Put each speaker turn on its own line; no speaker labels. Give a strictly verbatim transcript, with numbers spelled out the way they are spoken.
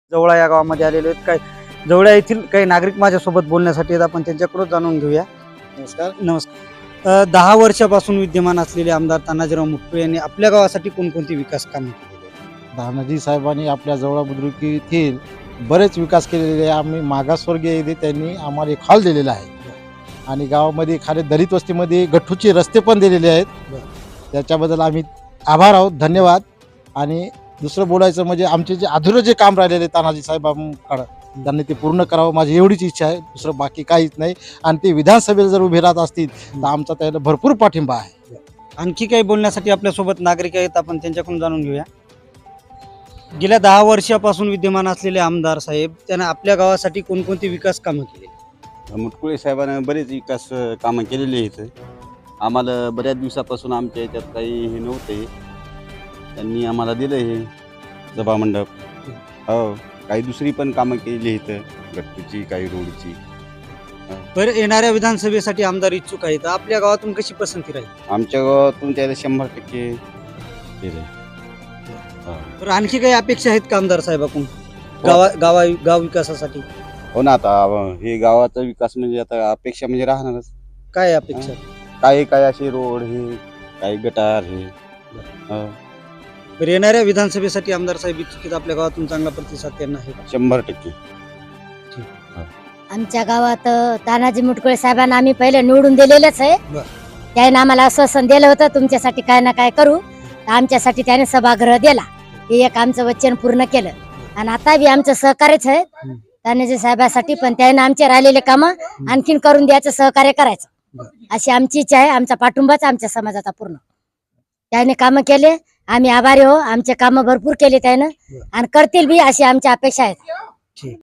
जवळा या गावामध्ये आलेले आहेत. काय जवळा येथील काही नागरिक माझ्यासोबत बोलण्यासाठी आहेत. आपण त्यांच्याकडून जाणून घेऊया.
नमस्कार.
नमस्कार. अ, दहा वर्षापासून विद्यमान असलेले आमदार तानाजीराव मुटकुळे यांनी आपल्या गावासाठी कोणकोणती विकास कामे केलेली आहेत?
तानाजी साहेबांनी आपल्या जवळ बुद्रुक येथील बरेच विकास केलेले आहे. आम्ही मागासवर्गीय येथे त्यांनी आम्हाला एक हॉल दिलेला आहे आणि गावामध्ये खाली दलित वस्तीमध्ये गठ्ठूचे रस्ते पण दिलेले आहेत. त्याच्याबद्दल आम्ही आभार आहोत, धन्यवाद. आणि दुसरं बोलायचं म्हणजे आमचे जे अधुरं जे काम राहिलेले तानाजी साहेबांकडं त्यांनी ते पूर्ण करावं, माझी एवढीच इच्छा आहे. दुसरं बाकी काहीच नाही. आणि ते विधानसभेला जर उभे राहत असतील तर आमचा त्याला भरपूर पाठिंबा आहे.
आणखी काही बोलण्यासाठी आपल्यासोबत नागरिक आहेत. आपण त्यांच्याकडून जाणून घेऊया. गेल्या दहा वर्षापासून विद्यमान असलेले आमदार साहेब त्यांना आपल्या गावासाठी कोणकोणती विकास कामं केली?
मुटकुळे साहेबांनी बरेच विकास अ, कामं केलेली आहेत. आम्हाला बऱ्याच दिवसापासून आमच्या याच्यात काही हे नव्हते, त्यांनी आम्हाला दिलं हे सभामंडप. हो, काही दुसरी पण कामं केलेली आहेत, गट्टूची काही रोडची.
बरं, येणाऱ्या विधानसभेसाठी आमदार इच्छुक आहेत. आपल्या गावातून कशी पसंती राहील?
आमच्या गावातून त्याला शंभर टक्के केलं.
बरं, आणखी काही अपेक्षा आहेत का आमदार साहेबाकडून गावा गावा गाव विकासासाठी?
हो ना, आता अ, हे गावाचा विकास म्हणजे आता अपेक्षा म्हणजे राहणारच.
काय अपेक्षा?
काही काही असे रोड हे, काही गटार हे. हो,
बरं, येणाऱ्या विधानसभेसाठी आमदार साहेब इच्छुक आहेत. आपल्या गावातून चांगला प्रतिसाद त्यांना आहे का?
शंभर टक्के.
आमच्या गावात अ, तानाजी मुटकुळे साहेबांना आम्ही पहिले निवडून दिलेलंच आहे.
बर.
त्याने आम्हाला आश्वासन दिलं होतं तुमच्यासाठी काय ना काय करू. तर आमच्यासाठी त्याने सभागृह दिला, हे एक आमचं वचन पूर्ण केलं. आणि आता बी आमचं सहकार्यच आहे तानाजी साहेबांसाठी, पण त्याने आमचे राहिलेले कामं आणखीन करून द्यायचं, सहकार्य करायचं अशी आमची इच्छा आहे. आमचा पाठिंबाच आमच्या समाजाचा पूर्ण. त्याने कामं केले, आम्ही आभारी हो. आमचे कामं भरपूर केले त्यानं आणि करतील बी अशी आमची अपेक्षा आहेत.